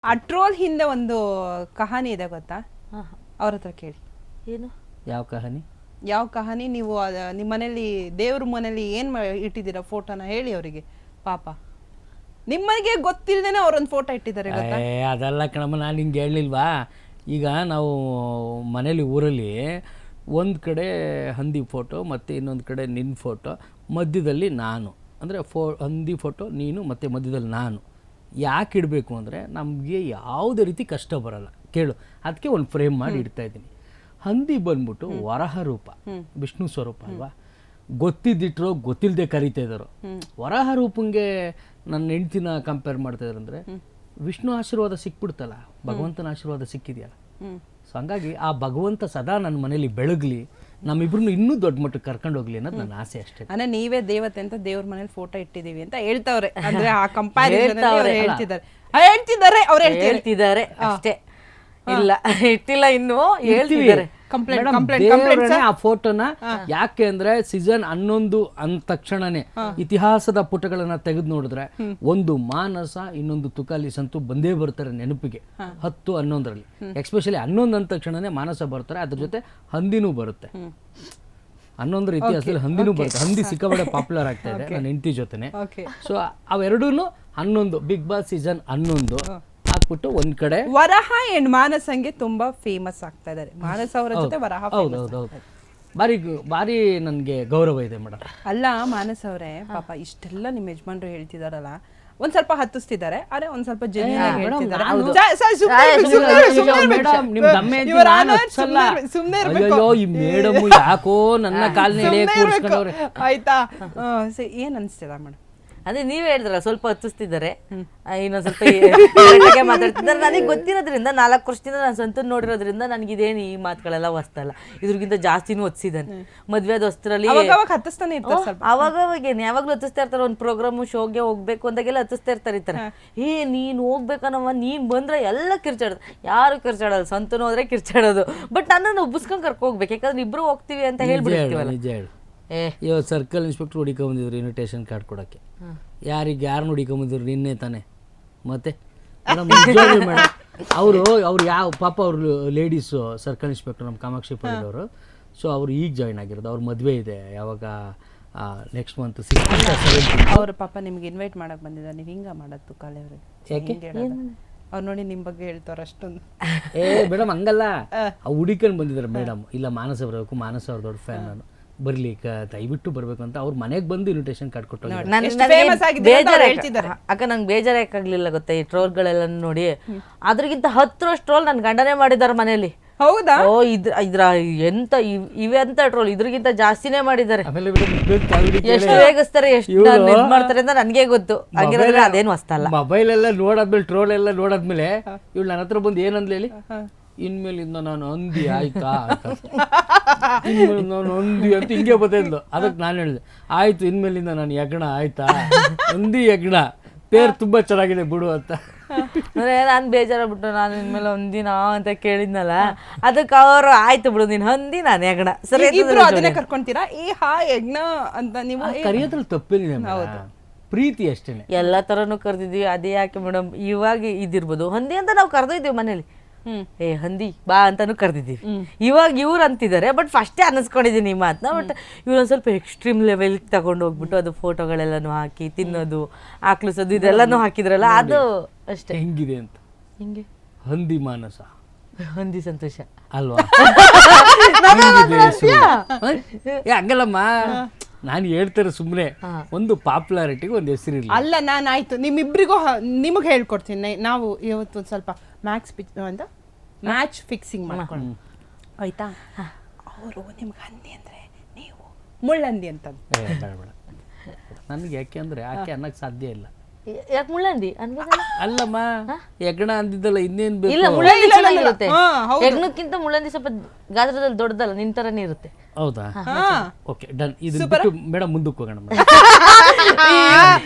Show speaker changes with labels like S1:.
S1: ಆ ಟ್ರೋಲ್ ಹಿಂದೆ ಒಂದು ಕಹಾನಿ ಇದೆ ಗೊತ್ತಾ? ಅವ್ರ ಹತ್ರ ಕೇಳಿ.
S2: ಏನು
S3: ಯಾವ ಕಹಾನಿ?
S1: ಯಾವ ಕಹಾನಿ? ನೀವು ನಿಮ್ಮ ಮನೇಲಿ ದೇವ್ರ ಮನೇಲಿ ಏನ್ ಇಟ್ಟಿದ್ದೀರಾ ಫೋಟೋನ ಹೇಳಿ ಅವರಿಗೆ. ಪಾಪ ನಿಮ್ಮನೆಗೆ ಗೊತ್ತಿಲ್ಲದೇನೆ ಅವ್ರೊಂದು ಫೋಟೋ ಇಟ್ಟಿದ್ದಾರೆ ಗೊತ್ತಾ?
S3: ಅದೆಲ್ಲ ಕಣಮ್ಮ, ನಾನು ಹಿಂಗೆ ಹೇಳಲಿಲ್ವಾ? ಈಗ ನಾವು ಮನೇಲಿ ಊರಲ್ಲಿ ಒಂದು ಕಡೆ ಹಂದಿ ಫೋಟೋ ಮತ್ತು ಇನ್ನೊಂದು ಕಡೆ ನಿನ್ನ ಫೋಟೋ, ಮಧ್ಯದಲ್ಲಿ ನಾನು, ಅಂದರೆ ಹಂದಿ ಫೋಟೋ ನೀನು ಮತ್ತು ಮಧ್ಯದಲ್ಲಿ ನಾನು. ಯಾಕೆ ಇಡಬೇಕು ಅಂದರೆ ನಮಗೆ ಯಾವುದೇ ರೀತಿ ಕಷ್ಟ ಬರಲ್ಲ. ಕೇಳು, ಅದಕ್ಕೆ ಒಂದು ಫ್ರೇಮ್ ಮಾಡಿ ಇಡ್ತಾ ಇದ್ದೀನಿ. ಹಂದಿ ಬಂದ್ಬಿಟ್ಟು ವರಹ ರೂಪ, ವಿಷ್ಣು ಸ್ವರೂಪ ಅಲ್ವಾ? ಗೊತ್ತಿದ್ದಿಟ್ರು ಗೊತ್ತಿಲ್ಲದೆ ಕರಿತಾ ಇದ್ದಾರೆ. ವರಹ ರೂಪಂಗೆ ನನ್ನ ಹೆಂಡ್ತಿನ ಕಂಪೇರ್ ಮಾಡ್ತಾ ಇದ್ದಾರೆ ಅಂದರೆ ವಿಷ್ಣು ಆಶೀರ್ವಾದ ಸಿಕ್ಬಿಡ್ತಲ್ಲ, ಭಗವಂತನ ಆಶೀರ್ವಾದ ಸಿಕ್ಕಿದೆಯಲ್ಲ. ಸೊ ಹಂಗಾಗಿ ಆ ಭಗವಂತ ಸದಾ ನನ್ನ ಮನೇಲಿ ಬೆಳಗ್ಲಿ, ನಮ್ಮಿಬ್ರು ಇನ್ನೂ ದೊಡ್ಡ ಮಟ್ಟಕ್ಕೆ ಕರ್ಕೊಂಡು ಹೋಗ್ಲಿ ಅನ್ನೋದು ನನ್ನ ಆಸೆ ಅಷ್ಟೇ.
S1: ಅಂದ್ರೆ ನೀವೇ ದೇವತೆ ಅಂತ ದೇವ್ರ ಮನೇಲಿ ಫೋಟೋ ಇಟ್ಟಿದೀವಿ ಅಂತ ಹೇಳ್ತಾವ್ರೆ. ಅಂದ್ರೆ ಆ ಕಂಪ್ಯಾರಿಸನ್ ಹೇಳ್ತಿದ್ದಾರೆ
S2: ಹೇಳ್ತಿದ್ದಾರೆ ಅಷ್ಟೇ. ಇಲ್ಲ ಇಟ್ಟಿಲ್ಲ, ಇನ್ನು ಹೇಳ್ತಿದ್ದಾರೆ.
S3: ಆ ಫೋಟೋನ ಯಾಕೆ ಅಂದ್ರೆ ಸೀಸನ್ 11 ಅಂದ ತಕ್ಷಣನೇ ಇತಿಹಾಸದ ಪುಟಗಳನ್ನ ತೆಗೆದು ನೋಡಿದ್ರೆ ಒಂದು ಮಾನಸ, ಇನ್ನೊಂದು ತುಕಾಲಿಸ್ ಅಂತೂ ಬಂದೇ ಬರ್ತಾರೆ ನೆನಪಿಗೆ. 10, 11ರಲ್ಲಿ ಎಕ್ಸ್ಪೆಷಲಿ 11 ಅಂದ ತಕ್ಷಣನೇ ಮಾನಸ ಬರ್ತಾರೆ, ಅದ್ರ ಜೊತೆ ಹಂದಿನೂ ಬರುತ್ತೆ. 11ರ ಇತಿಹಾಸದಲ್ಲಿ ಹಂದಿನೂ ಬರುತ್ತೆ. ಹಂದಿ ಸಿಕ್ಕಾಪಟ್ಟೆ ಪಾಪ್ಯುಲರ್ ಆಗ್ತಾ ಇದೆ ನನ್ನ ಹೆಂಡತಿ ಜೊತೆನೆ. ಸೊ ಅವೆರಡೂ 11 ಬಿಗ್ ಬಾಸ್ ಸೀಸನ್ 11 ಹಾಕ್ಬಿಟ್ಟು ಒಂದ್ ಕಡೆ
S1: ವರಹ ಅಂಡ್ ಮಾನಸಂಗೆ ತುಂಬಾ ಫೇಮಸ್ ಆಗ್ತಾ ಇದ್ದಾರೆ. ಮಾನಸ ಅವರ ಜೊತೆ ವರಹ.
S3: ಹೌದೌದು, ಭಾರಿ ನನ್ಗೆ ಗೌರವ ಇದೆ ಮೇಡಮ್.
S1: ಅಲ್ಲ ಮಾನಸ ಅವರೇ, ಪಾಪ ಇಷ್ಟೆಲ್ಲ ನಿಮ್ಮ ಯಜಮಾನ್ರು ಹೇಳ್ತಿದಾರಲ್ಲ, ಒಂದ್ ಸ್ವಲ್ಪ ಹತ್ತಿಸ್ತಿದ್ದಾರೆ, ಆದ್ರೆ ಒಂದ್ ಸ್ವಲ್ಪ
S3: ಈ ಮೇಡಮ್ ಯಾಕೋ ನನ್ನ ಕಾಲ್ನ
S1: ಆಯ್ತಾ? ಏನ್ ಅನ್ಸ್ತಿದ ಮೇಡಮ್?
S2: ಅದೇ ನೀವೇ ಹೇಳಿದ್ರಲ್ಲ, ಸ್ವಲ್ಪ ಹತ್ತಿಸ್ತಿದ್ದಾರೆ, ಇನ್ನೊಂದ್ ಸ್ವಲ್ಪ ಮಾತಾಡ್ತಿದ್ದಾರೆ. ನನಗೆ ಗೊತ್ತಿರೋದ್ರಿಂದ 4 ವರ್ಷದಿಂದ ನಾನು ಸ್ವಂತ ನೋಡಿರೋದ್ರಿಂದ ನನಗಿದೇನು ಈ ಮಾತುಗಳೆಲ್ಲ ಹೊಸ್ತಲ್ಲ. ಇದ್ರಿಗಿಂತ ಜಾಸ್ತಿನೂ ಹೊತ್ಸಿದ್ದಾನೆ. ಮದ್ವೆ ಹೊಸ್ತರಲ್ಲಿ ಅವಾಗೇನು ಯಾವಾಗ್ಲೂ ಹತ್ತಿಸ್ತಾ ಇರ್ತಾರೆ. ಒಂದು ಪ್ರೋಗ್ರಾಮು ಶೋಗೆ ಹೋಗ್ಬೇಕು ಅಂದಾಗೆಲ್ಲ ಹತ್ತಿಸ್ತಾ ಇರ್ತಾರೆ. ನೀನು ಹೋಗ್ಬೇಕನ್ನವ, ನೀನ್ ಬಂದ್ರೆ ಎಲ್ಲ ಕಿರ್ಚಾಡೋದು. ಯಾರು ಕಿರ್ಚಾಡೋದು, ಸ್ವಂತನೂ ಹೋದ್ರೆ ಕಿರ್ಚಾಡೋದು. ಬಟ್ ನನ್ನನ್ನು ಒಬ್ಬಿಸ್ಕೊಂಡ್ ಕರ್ಕೊ ಹೋಗ್ಬೇಕು, ಯಾಕಂದ್ರೆ ಇಬ್ರು ಹೋಗ್ತೀವಿ ಅಂತ ಹೇಳ್ಬಿಡ್ತೀವಲ್ಲ.
S3: ಇವಾಗ ಸರ್ಕಲ್ ಇನ್ಸ್ಪೆಕ್ಟರ್ ಹುಡಿಕೊಂಬಂದಿದ್ರು ಇನ್ವಿಟೇಷನ್ ಕಾರ್ಡ್ ಕೊಡೋಕ್ಕೆ. ಯಾರು ಹುಡಿಕೊಂಬಂದಿದ್ರು? ನಿನ್ನೆ ತಾನೆ. ಮತ್ತೆ ಮೇಡಮ್ ಅವರು ಯಾವ ಪಾಪ ಅವರು ಲೇಡೀಸು ಸರ್ಕಲ್ ಇನ್ಸ್ಪೆಕ್ಟರ್ ನಮ್ಮ ಕಾಮಾಕ್ಷಿ ಪಡೆದವರು. ಸೊ ಅವ್ರು ಈಗ ಜಾಯ್ನ್ ಆಗಿರೋದು. ಅವ್ರ ಮದುವೆ ಇದೆ ಯಾವಾಗ, ನೆಕ್ಸ್ಟ್ ಮಂತ್ 16.
S1: ಅವ್ರ ಪಾಪ ನಿಮ್ಗೆ ಇನ್ವೈಟ್ ಮಾಡಕ್ ಬಂದಿದ್ದಾರೆ, ನೀವು ಹಿಂಗ ಮಾಡತ್ತು ಕಾಲೇ ಅವ್ರಿಗೆ. ಅವ್ರು ನೋಡಿ ನಿಮ್ ಬಗ್ಗೆ ಹೇಳ್ತಾರ ಅಷ್ಟೊಂದು.
S3: ಮೇಡಮ್ ಹಂಗಲ್ಲ, ಹುಡಿಕೊಂಡು ಬಂದಿದ್ದಾರೆ ಮೇಡಮ್. ಇಲ್ಲ ಮಾನಸ ಬರಬೇಕು, ಮಾನಸ ಅವ್ರ ದೊಡ್ಡ ಫ್ಯಾನ್ ನಾನು, ಬರ್ಲಿ ದಯವಿಟ್ಟು ಬರ್ಬೇಕು ಅಂತ ಅವ್ರ ಮನೆಗೆ ಬಂದು ಇನ್ವಿಟೇಷನ್ ಕಾರ್ಡ್ ಕೊಟ್ಟು.
S2: ಅಕ್ಕ ನಂಗೆ ಬೇಜಾರಾಗಲಿಲ್ಲ ಗೊತ್ತಾ ಈ ಟ್ರೋಲ್ಗಳೆಲ್ಲ ನೋಡಿ. ಅದ್ರಗಿಂತ 10 ಟ್ರೋಲ್ ನನ್ ಗಂಡನೇ ಮಾಡಿದಾರೆ ಮನೇಲಿ.
S1: ಹೌದಾ?
S2: ಓ ಇದ್ರ ಎಂತ ಇವೆಂತ ಟ್ರೋಲ್ ಇದ್ರಗಿಂತ ಜಾಸ್ತಿನೇ ಮಾಡಿದ್ದಾರೆ. ಎಷ್ಟು ವೇಗಿಸ್ತಾರೆ, ಎಷ್ಟು ಮಾಡ್ತಾರೆ ಅಂತ ನನ್ಗೆ ಗೊತ್ತು. ಹಂಗಿರೋದ್ರೆ ಅದೇನು ಹೊಸ್ತಲ್ಲ.
S3: ಮೊಬೈಲ್ ಎಲ್ಲ ನೋಡಾದ್ಮೇಲೆ, ಟ್ರೋಲ್ ಎಲ್ಲ ನೋಡಾದ್ಮೇಲೆ ಇವಳು ನನ್ನ ಹತ್ರ ಬಂದು ಏನಂದ್ಲಿ ಹೇಳಿ, ಇನ್ಮೇಲಿಂದ ನಾನು ಹಂದಿ ಆಯ್ತಾ, ಇನ್ಮೇಲೆ ನಾನು ಹಂದಿ ಅಂತ ಹಿಂಗೆ ಬತ್ತಿದ್ಲು. ಅದಕ್ಕೆ ನಾನು ಹೇಳಿದೆ, ಆಯ್ತು ಇನ್ಮೇಲಿಂದ ನಾನು ಯಜ್ಞ ಆಯ್ತಾ, ಹಂದಿ ಯಜ್ಞ ಪೇರ್ ತುಂಬಾ ಚೆನ್ನಾಗಿದೆ ಬಿಡು ಅಂತ.
S2: ಅಂದ್ರೆ ನಾನು ಬೇಜಾರಾಗ್ಬಿಟ್ಟು ನಾನು ಇನ್ಮೇಲೆ ಹಂದಿನಾ ಅಂತ ಕೇಳಿದ್ನಲ್ಲ, ಅದಕ್ಕೆ ಅವರು ಆಯ್ತು ಬಿಡು ನೀನ್ ಹಂದಿ ನಾನು ಯಜ್ಞ. ಸರಿ,
S1: ಅದನ್ನೇ ಕರ್ಕೊಂತೀರಾ ಈ ಯಜ್ಞ ಅಂತ? ನೀವು
S3: ಕರೆಯೋದ್ರಲ್ಲಿ ತಪ್ಪೇನಿದೆ, ಪ್ರೀತಿ ಅಷ್ಟೇನೆ.
S2: ಎಲ್ಲಾ ತರನು ಕರ್ದಿದ್ವಿ. ಅದೇ ಯಾಕೆ ಮೇಡಮ್ ಇವಾಗ ಇದಿರ್ಬೋದು, ಹಂದಿ ಅಂತ ನಾವು ಕರ್ದಿದ್ದೀವಿ ಮನೇಲಿ. ಹಂದಿ ಬಾ ಅಂತಾನು ಕರ್ದಿದ್ದೀವಿ. ಇವಾಗ ಇವ್ರು ಅಂತಿದ್ದಾರೆ, ಬಟ್ ಫಸ್ಟೇ ಅನ್ನಿಸ್ಕೊಂಡಿದ್ದೀನಿ ಈ ಮಾತನ್ನ. ಬಟ್ ಇವ್ರೊಂದು ಸ್ವಲ್ಪ ಎಕ್ಸ್ಟ್ರೀಮ್ ಲೆವೆಲ್ ತಗೊಂಡು ಹೋಗ್ಬಿಟ್ಟು ಅದು ಫೋಟೋಗಳೆಲ್ಲನೂ ಹಾಕಿ ತಿನ್ನೋದು, ಆಕ್ಲಿಸೋದು ಇದೆಲ್ಲಾನು ಹಾಕಿದ್ರಲ್ಲ, ಅದು ಅಷ್ಟೇ.
S3: ಹೆಂಗಿದೆ ಅಂತ
S2: ಹಿಂಗೆ
S3: ಹಂದಿ ಮಾನಸ,
S2: ಹಂದಿ ಸಂತೋಷ
S3: ಅಲ್ವಾ? ಹಂಗಲ್ಲಮ್ಮ, ನಾನು ಹೇಳ್ತಾರೆ ಸುಮ್ಮನೆ ಒಂದು ಪಾಪ್ಯುಲಾರಿಟಿಗೆ ಒಂದು ಹೆಸರಿಲ್ಲ.
S1: ಅಲ್ಲ, ನಾನು ಆಯ್ತು ನಿಮ್ಮಿಬ್ರಿಗೂ ನಿಮಗೆ ಹೇಳ್ಕೊಡ್ತೀನಿ. ನಾವು ಇವತ್ತು ಒಂದು ಸ್ವಲ್ಪ ಮ್ಯಾಚ್ ಫಿಕ್ಸಿಂಗ್ ಮಾಡ್ಕೊಂಡು ಆಯ್ತಾ? ಅವರು ನಿಮ್ಗೆ ಹಂದಿ ಅಂದ್ರೆ ನೀವು ಮುಳ್ಳಂದಿ ಅಂತ.
S3: ನನಗೆ ಯಾಕೆ ಅಂದ್ರೆ ಆಕೆ ಅನ್ನಕ್ಕೆ ಸಾಧ್ಯ ಇಲ್ಲ.
S2: ಯಾಕೆ ಮುಳ್ಳಂದಿ
S3: ಅಲ್ಲಮ್ಮ, ಯಜ್ಞ ಅಂದಿದ್ದಲ್ಲ, ಇನ್ನೇನ್ ಬೇಕು?
S2: ಇಲ್ಲ, ಮುಳ್ಳಂದಿ ಚೆನ್ನಾಗಿರುತ್ತೆ. ಯಜ್ಞಕ್ಕಿಂತ ಮುಳ್ಳಂದಿ ಸ್ವಲ್ಪ ಗಾತ್ರದಲ್ಲಿ ದೊಡ್ಡದಲ್ಲ, ನಿನ್ ತರನೇ ಇರುತ್ತೆ.
S3: ಹೌದಾ? Okay done. ಇದು ಮೇಡಮ್ ಮುಂದಕ್ಕೆ ಹೋಗೋಣ.